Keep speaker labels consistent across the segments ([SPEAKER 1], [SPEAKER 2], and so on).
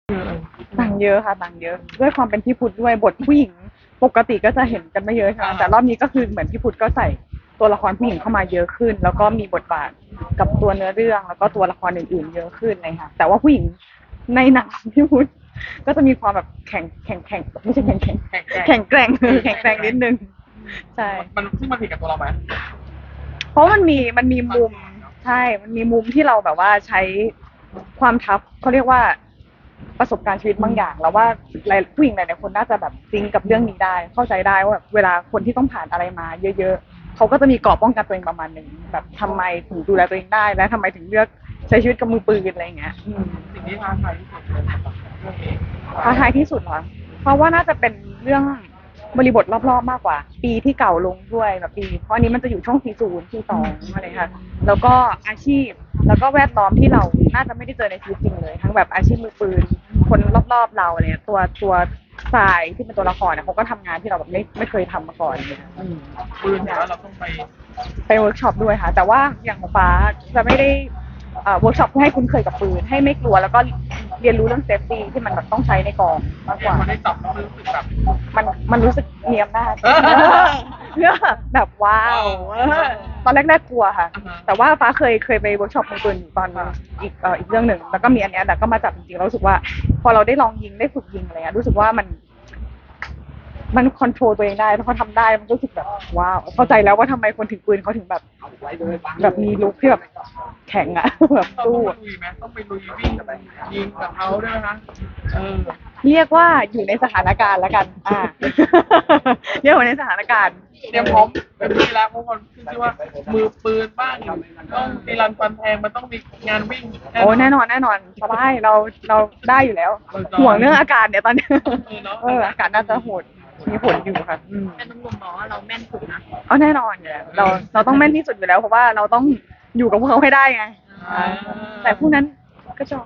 [SPEAKER 1] ต่างเยอะค่ะต่างเยอะด้วยความเป็นพี่พุทธด้วยบทผู้หญิงปกติก็จะเห็นกันไม่เยอะใช่ไหมแต่รอบนี้ก็คือเหมือนพี่พุทธก็ใส่ตัวละครผู้หญิงเข้ามาเยอะขึ้นแล้วก็มีบทบาทกับตัวเนื้อเรื่องแล้วก็ตัวละครอื่นๆเยอะขึ้นเลยค่ะแต่ว่าผู้หญิงในหนังพี่พุทธก็จะมีความแบบแข็งไม่ใช่แข็งแกร่งนิดนึงใช่
[SPEAKER 2] มันซึ่งมันผิดกับตัวเราไหม
[SPEAKER 1] เพราะมันมีมุมใช่มันมีมุมที่เราแบบว่าใช้ความทัฟเขาเรียกว่าประสบการณ์ชีวิตบางอย่างแล้วว่าผู้หญิงหลายๆคนน่าจะแบบซิงกับเรื่องนี้ได้เข้าใจได้ว่าแบบเวลาคนที่ต้องผ่านอะไรมาเยอะๆเขาก็จะมีเกราะป้องกันตัวเองประมาณหนึ่งแบบทำไมถึงดูแลตัวเองได้และทำไมถึงเลือกใช้ชีวิตกับมือปืนอะไรอย่างเงี้ย
[SPEAKER 2] สิ่งที่ท้าทายที่สุดเลยสำหรับเรื่องนี้
[SPEAKER 1] ท้าทายที่สุดเหรอเพราะว่าน่าจะเป็นเรื่องบริบทรอบๆมากกว่าปีที่เก่าลงด้วยแบบปีเพราะอันนี้มันจะอยู่ช่วง40 42อะไรค่ะแล้วก็อาชีพแล้วก็แวดล้อมที่เราน่าจะไม่ได้เจอในชีวิตจริงเลยทั้งแบบอาชีพมือปืนคนรอบๆเราอะไรเนี่ยตัวทรายที่เป็นตัวละครเนี่ยเขาก็ทำงานที่เราแบบไม่เคยทำมาก่อนเนี่ย
[SPEAKER 2] ปืนเนี่ยเราต้อง
[SPEAKER 1] ไปเวิร์กช็อปด้วยค่ะแต่ว่าอย่างของฟ้าจะไม่ได้เวิร์กช็อปเพื่อให้คุ้นเคยกับปืนให้ไม่กลัวแล้วก็เรียนรู้เรื่องเซฟตี้ที่มันแบบต้องใช้ในกองมากกว่า
[SPEAKER 2] มันได้จับแล้วรู้สึกแบบ
[SPEAKER 1] มันรู้สึกมีอำนาจเนี่ยแบบว้าวตอนแรกกลัวค่ะแต่ว่าฟ้าเคยไปเวิร์กช็อปมือปืนอยู่ตอนอีกเรื่องหนึ่งแล้วก็มีอันเนี้ยแต่ก็มาจับจริงๆแล้วรู้สึกว่าพอเราได้ลองยิงได้ฝึกยิงอะไรเงี้ยรู้สึกว่ามันคอนโทรลตัวเองได้แล้วเขาทำได้มันก็รู้สึกแบบว้าวเข้าใจแล้วว่าทำไมคนถือปืนเขาถึงแบบมีลุคที่แบบแข็งอะแบบสู้
[SPEAKER 2] ลุยไหมต้องไปลุยวิ่งยิงกับเขาด้วยนะ
[SPEAKER 1] เรียกว่าอยู่ในสถานการณ์แล้วกันเรียกว่าในสถานการณ์
[SPEAKER 2] เตรียมพร้อมเป็นที่แล้วเพราะคนขึ้นชื่อว่ามือปืนบ้างต้องตีรันฟันแทงมันต้องมีงานวิ่ง
[SPEAKER 1] โอ้แน่นอนสบายเราได้อยู่แล้วห่วงเรื่องอากาศเนี่ยตอนนี้อากาศน่าจะโหดมีผลอยู่ค่ะ
[SPEAKER 3] แต่หนุ่มๆบอกว่าเราแม่นสุดนะ
[SPEAKER 1] อ๋อแน่นอนเนี่ยเราต้องแม่นที่สุดอยู่แล้วเพราะว่าเราต้องอยู่กับพวกเขาให้ได้ไงแต่พวกนั้นก็ชอบ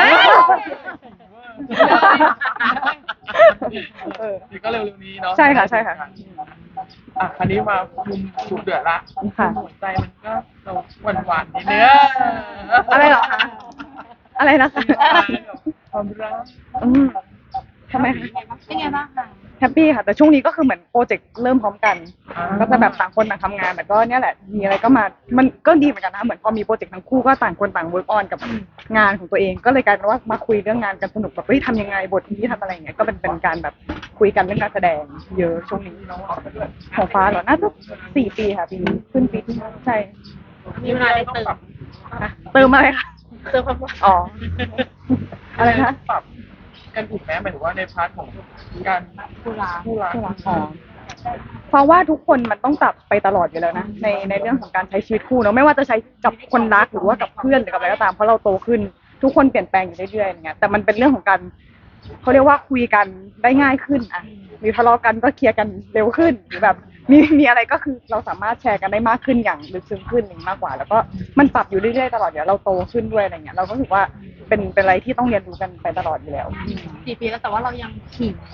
[SPEAKER 2] นี่ก็เร็วๆนี้เนาะ
[SPEAKER 1] ใช่ค่ะ
[SPEAKER 2] คันนี้มามุมสุดเดือดละหัวใจมันก็เราหวานนิดเนื้อ
[SPEAKER 1] อะไรหรอคะอะไรนะคะ
[SPEAKER 2] ความรัก
[SPEAKER 1] ทำไมคะ
[SPEAKER 3] เป็นไงบ้างคะ
[SPEAKER 1] แฮปปี้ค่ะแต่ช่วงนี้ก็คือเหมือนโปรเจกต์เริ่มพร้อมกันก็จะแบบต่างคนต่างทำงานแต่ก็เนี่ยแหละมีอะไรก็มามันก็ดีเหมือนกันนะเหมือนพอมีโปรเจกต์ทั้งคู่ก็ต่างคนต่างเวิร์กออนกับงานของตัวเองก็เลยกลายเป็นว่ามาคุยเรื่องงานกันสนุกแบบทำยังไงบทนี้ทำอะไรอย่างเงี้ยก็เป็นการแบบคุยกันเรื่องการแสดงเยอะช่วงนี้ของฟ้าเหรอน่าจะ4 ปีค่ะปีขึ้นปีที่ใช่
[SPEAKER 3] มีเวลาได้
[SPEAKER 1] เติมอะไรคะ
[SPEAKER 3] เติมความรัก
[SPEAKER 1] อ๋ออะไรนะ
[SPEAKER 2] ปรับกันถูกไหมหมายถึงว่าในพาร์ทของการ
[SPEAKER 3] คู่รัก
[SPEAKER 1] เพราะว่าทุกคนมันต้องปรับไปตลอดอยู่แล้วนะในเรื่องของการใช้ชีวิตคู่เนาะไม่ว่าจะใช้กับคนรักหรือว่ากับเพื่อนหรือกับอะไรก็ตามเพราะเราโตขึ้นทุกคนเปลี่ยนแปลงอยู่เรื่อยๆอย่างเงี้ยแต่มันเป็นเรื่องของการเขาเรียกว่าคุยกันได้ง่ายขึ้นอ่ะมีทะเลาะกันก็เคลียร์กันเร็วขึ้นหรือแบบมีอะไรก็คือเราสามารถแชร์กันได้มากขึ้นอย่างลึกซึ้งขึ้นมากกว่าแล้วก็มันปรับอยู่เรื่อยๆตลอดเดี๋ยวเราโตขึ้นด้วยอะไรเงี้ยเราก็รู้สึกว่าเป็นอะไรที่ต้องเรียนรู้กันไปตลอดอยู่แล้ว
[SPEAKER 3] 4 ปีแล้วแต่ว่าเรายังขิง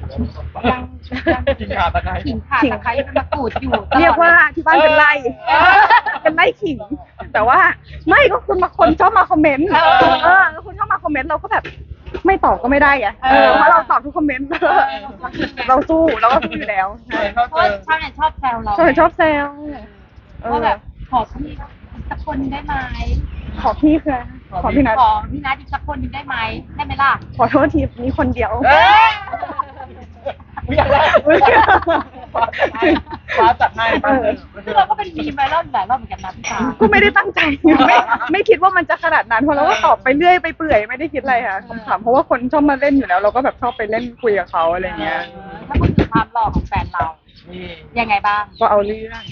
[SPEAKER 2] ขิงขาตะไคร้
[SPEAKER 3] ขิงตะไคร้มะกรูดอยู่
[SPEAKER 1] เรียกว่าที่บ้านเป็นไร่ขิงแต่ว่าไม่ก็คนชอบมาคอมเมนต์คุณชอบมาคอมเมนต์เราก็แบบไม่ตอบก็ไม่ได้ไงเพราะเราตอบทุกคอมเมนต์เราก็สู้อยู่แล้ว
[SPEAKER 3] เพราะชาวเน็ตชอบแซวเรา
[SPEAKER 1] ชอบแซว
[SPEAKER 3] ว่าแบบขอพี่สักคนนึงได้ไหม
[SPEAKER 1] ขอพี่คือขอพี่นัท
[SPEAKER 3] อีกสักคนนึงได้ไหมได้ไหมล่ะ
[SPEAKER 1] ขอโทษทีมีคนเดียว
[SPEAKER 2] ไม่อยากได้ฟ้าจัดให้
[SPEAKER 3] คือเราก็เป็นมีมไปรอบหลายรอบเหมือนกันนะพี่ฟ้า
[SPEAKER 1] ก็ไม่ได้ตั้งใจไม่คิดว่ามันจะขนาดนั้นเพราะเราก็ตอบไปเรื่อยไปเปื่อยไม่ได้คิดอะไรค่ะขำๆเพราะว่าคนชอบมาเล่นอยู่แล้วเราก็แบบชอบไปเล่นคุยกับเขาอะไรเงี้ย
[SPEAKER 3] ถ้าพูดถึงความหล่อของแฟนเรายังไงบ้าง
[SPEAKER 1] ก็เอาเรื่อง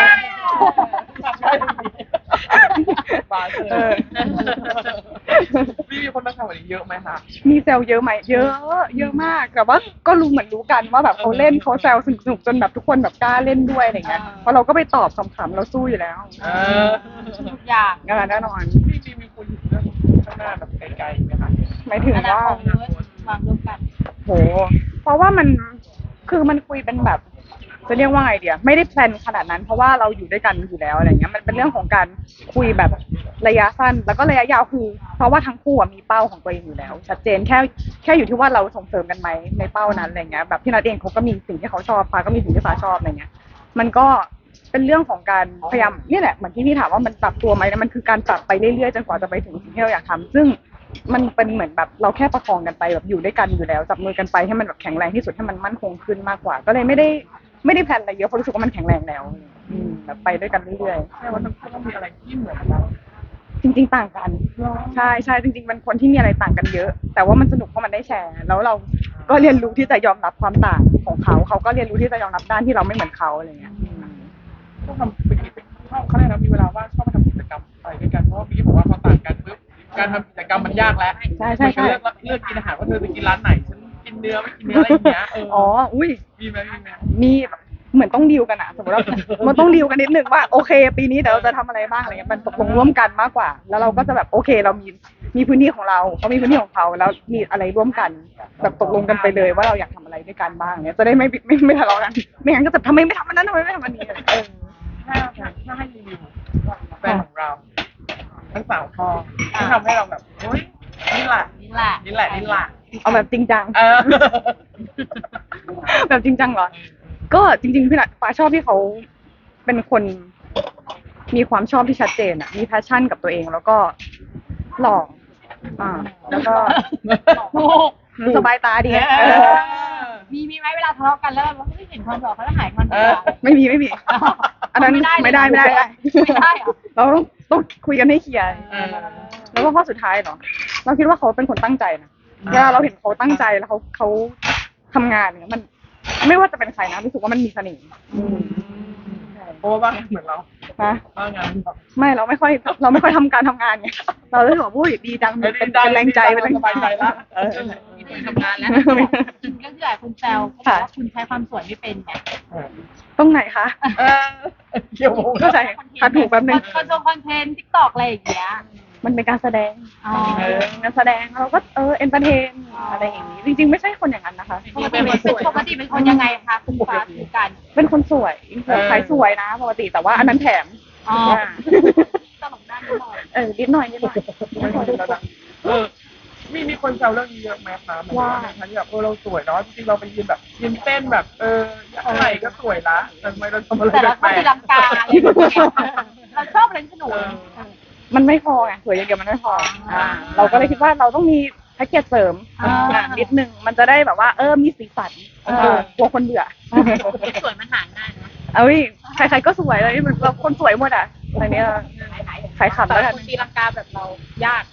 [SPEAKER 2] พี่มีคนมาถามวันนี้เยอะไหมคะ
[SPEAKER 1] มีแซวเยอะไหมเยอะมากแต่ว่าก็รู้กันว่าแบบเขาเล่นเขาแซวสนุกจนแบบทุกคนแบบกล้าเล่นด้วยอะไรเงี้ยเพราะเราก็ไปตอบขำๆเราสู้อยู่แล้ว
[SPEAKER 3] ทุกอย่าง
[SPEAKER 1] แน่นอน
[SPEAKER 2] พี่มีคุยเรื่องข้างหน้าแบบไกลๆไหมคะ
[SPEAKER 1] หมายถึงว่าว
[SPEAKER 3] างร่วมกัน
[SPEAKER 1] โหเพราะว่ามันคือมันคุยเป็นแบบจะเรียกว่าไงเดียไม่ได้แพลนขนาดนั้นเพราะว่าเราอยู่ด้วยกันอยู่แล้วอะไรเงี้ยมันเป็นเรื่องของการคุยแบบระยะสั้นแล้วก็ระยะยาวคือเพราะว่าทั้งคู่อะมีเป้าของตัวเองอยู่แล้ว ชัดเจนแค่อยู่ที่ว่าเราส่งเสริมกันไหมในเป้านั้นอะไรเงี้ยแบบพี่นัทเองเขาก็มีสิ่งที่เขาชอบฟ้าก็มีสิ่งที่ฟ้าชอบอะไรเงี้ยมันก็เป็นเรื่องของการพยายามเนี่ยแหละเหมือนที่พี่ถามว่ามันปรับตัวไหมมันคือการปรับไปเรื่อยๆจนกว่าจะไปถึงสิ่งที่เราอยากทำซึ่งมันเป็นเหมือนแบบเราแค่ประคองกันไปแบบอยู่ด้วยกันอยู่แล้วจับมือกันไปให้มันแบบแข็งแรงที่สุดให้มันมั่นคงขึ้นมากกว่า ก็เลยไม่ได้แพลนอะไรเยอะเพราะรู้สึกว่ามันแข็งแรงแล้วแบบไปด้วยกันเรื่อย
[SPEAKER 2] ใช่ว่าทั้งคู่ต้องมีอะไรที่เหมือนกัน
[SPEAKER 1] ๆจริงๆต่างกันใช่ใช่จริงๆเป็นคนที่มีอะไรต่างกันเยอะ แต่ว่ามันสนุกเพราะมันได้แชร์แล้วเราก็เรียนรู้ที่จะยอมรับความต่างของเขาก็เรียนรู้ที่จะยอมรับด้านที่เราไม่เหมือนเขาอะไรเงี้ย
[SPEAKER 2] ต้องทำเป็นกิจชอบเขาเลยนะมีเวลาว่างชอบไปทำกิจกรรมอะไรด้วยกันเพราะว่าพี่บอกว่าพอต่างกันปุ๊บการทำกิจกรรมมันยากแล้ว
[SPEAKER 1] ใช่ใช่ใช่
[SPEAKER 2] เลือกกินอาหารว่าเธอจะกินร้านไหนฉันกินเนื้อไม่กินเนื้ออะไรอย่างเงี้ย
[SPEAKER 1] อ๋ออุ้ย
[SPEAKER 2] มีไหม
[SPEAKER 1] มีแบบเหมือนต้องดีลกันอะสมมติว่า มันต้องดีลกันนิดนึงว่าโอเค ปีนี้เดี๋ยวเราจะทำอะไรบ้างอะไรเงี้ยมันตกลงร่วมกันมากกว่า แล้วเราก็จะแบบโอเคเรามีพื้นที่ของเราเขามีพื้นที่ของเขาแล้วมีอะไรร่วมกัน แบบตกลงกันไปเลยว่าเราอยากทำอะไรด้วยกันบ้างเนี้ยจะได้ไม่ทะเลาะกันไม่งั้นก็จะทำไมไม่ทำอันนั้นทำไมไม่ทำอันนี้
[SPEAKER 2] ถ้าให้รีวิวแฟนของเราทั้งสาวพอที่ทำให้เราแบบโอ๊ยนี่แหละ
[SPEAKER 3] นี่แหละ
[SPEAKER 2] นี่แหละนี่แหละ
[SPEAKER 1] เอาแบบจริงจัง
[SPEAKER 2] เออ
[SPEAKER 1] แบบจริงจังเหรอ ก็จริงๆพี่นัทฟ้าชอบที่เขาเป็นคนมีความชอบที่ชัดเจนอะมีแพชชั่นกับตัวเองแล้วก็หล่อแล้วก็ สบายตาดีไง
[SPEAKER 3] มีไหมเวลาทะเลาะกันแล้วเราไม่เห็นความหล่อเขาจะหายความหล่อ
[SPEAKER 1] ไม่มีอันนั้นไม่ได้
[SPEAKER 3] ไม่ได้เหรอ
[SPEAKER 1] เราต้องคุยกันให้เคลียร์แล้วก็ข้อสุดท้ายเหรอเราคิดว่าเขาเป็นคนตั้งใจนะเวลาเราเห็นเขาตั้งใจแล้วเขาทำงานเนี่ยมันไม่ว่าจะเป็นใครนะรู้สึกว่ามันมีเสน่ห์
[SPEAKER 2] เพราะว่าบ้างเหมือนเรา
[SPEAKER 1] นะ
[SPEAKER 2] บ้างงาน
[SPEAKER 1] ไม่เราไม่ค่อยทำการทำงานไงเราเลยบอกว่าดีจังเป็นแรงใจเป็นแรง
[SPEAKER 2] สบายใจละ
[SPEAKER 3] มีคนทำงานแล้วก็คือหลายคนแซวเขาบอกว่าคุณใช้ความสวยไม่เป็นไง
[SPEAKER 1] ตรงไหนคะ
[SPEAKER 2] เกี่ยว
[SPEAKER 1] เข้าใจคัดถูกแป๊บนึง
[SPEAKER 3] คอนเทนต์ทิกตอกอะไรอย่างเงี้ย
[SPEAKER 1] มันเป็นการแสดง
[SPEAKER 3] อ๋อ
[SPEAKER 1] งานแสดงเราก็เอนเตอร์เทนอะไรอย่างนี้จริงๆไม่ใช่คนอย่างนั้นนะคะ
[SPEAKER 3] ปกติเป็นคนยังไงคะคุณฟ้าคือกัน
[SPEAKER 1] เป็นคนสวยขายสวยนะปกติแต่ว่าอันนั้นแถม
[SPEAKER 3] อ๋อตลกด้านนิดหน่อย
[SPEAKER 1] นิดหน่อย
[SPEAKER 2] มีคนแซวเรื่องนี้เยอะไหมคะว่าที่แบบเราสวยเนาะจริงๆเราไปยืนแบบยืนเต้นแบบไหนก็สวยละแต่ทำไมเราทำอะไร
[SPEAKER 3] แต่เราชอบตีลังกาอะไรอย่างเงี้ยเราชอบเล่นสนุก
[SPEAKER 1] มันไม่พอไงสวยอย่างเดียวมันไม่พอเราก็เลยคิดว่าเราต้องมีแพ็กเกจเสริมนิดนึงมันจะได้แบบว่ามีสีสันกลัวคนเบื่อ
[SPEAKER 3] สวยมันหาง่ายนะ
[SPEAKER 1] ใครๆก็สวยเลยมันเราคนสวยหมดอ่ะอะไรเนี้ยขายขำแล้วกัน
[SPEAKER 3] คนตีลังกาแบบเรายาก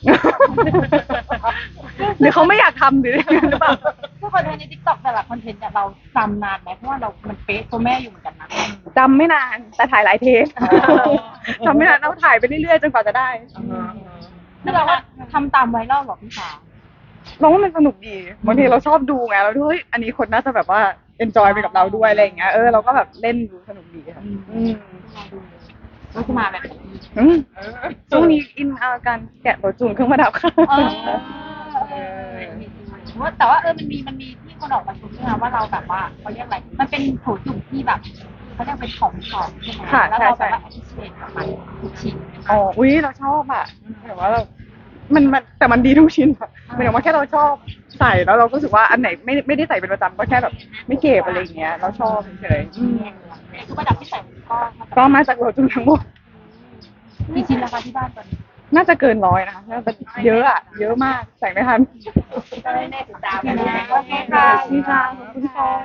[SPEAKER 1] หรือเขาไม่อยากทำหรือเปล่า
[SPEAKER 3] ทุกคอนเทนต์ในทิกตอกแต่ละคอนเทนต์เราจำนานไหมเพราะว่ามันเป๊ะตัวแม่อยู่เหมือนกันนะ
[SPEAKER 1] จำไม่นานแต่ถ่ายหลายเทปจำไม่นานเราถ่ายไปเรื่อยๆจนกว่าจะได้
[SPEAKER 3] คือเราว่าทำตามไวรัลหรอพี่สาว
[SPEAKER 1] เราว่ามันสนุกดีบางทีเราชอบดูไงเราดูอันนี้คนน่าจะแบบว่าเอนจอยไปกับเราด้วยอะไรอย่างเงี้ยเราก็แบบเล่นดูสนุกดีค่ะ
[SPEAKER 3] ก็จะมาแบบ
[SPEAKER 1] ช่วงนี้อินการแกะตัวจูนเครื่องประดับค่ะ
[SPEAKER 3] แต่ว่ามันมีที่คนออกมาชมด้วยนะว่าเราแบบว่าเขาเรียกอะไรมันเป็นโถจุ่มที่แบบเขาเรียกเป็นของใช่ไหมแล้วเราแบบว่าแอดเชนกับมันทุกชิ้น
[SPEAKER 1] อุ้ยเราชอบอ่ะแต่ว่าแต่มันดีทุกชิ้นค่ะหมายถึงว่าแค่เราชอบใส่แล้วเราก็รู้สึกว่าอันไหนไม่ได้ใส่เป็นประจำก็แค่แบบไม่เก็บอะไรอย่างเงี้ยเราชอบเฉย
[SPEAKER 3] คือประดับที่ใส่
[SPEAKER 1] ก็มาจากโรจูนทั้งหมด
[SPEAKER 3] มีชิ้นราคาที่บ้านตอนนี้
[SPEAKER 1] น่าจะเกิน100นะคะน่าจะเยอะอ่ะเยอะมากใส่ไม่ทัน
[SPEAKER 3] ก็ได้ติดตามนะโอเคค่ะ
[SPEAKER 1] ขอบคุณค่ะ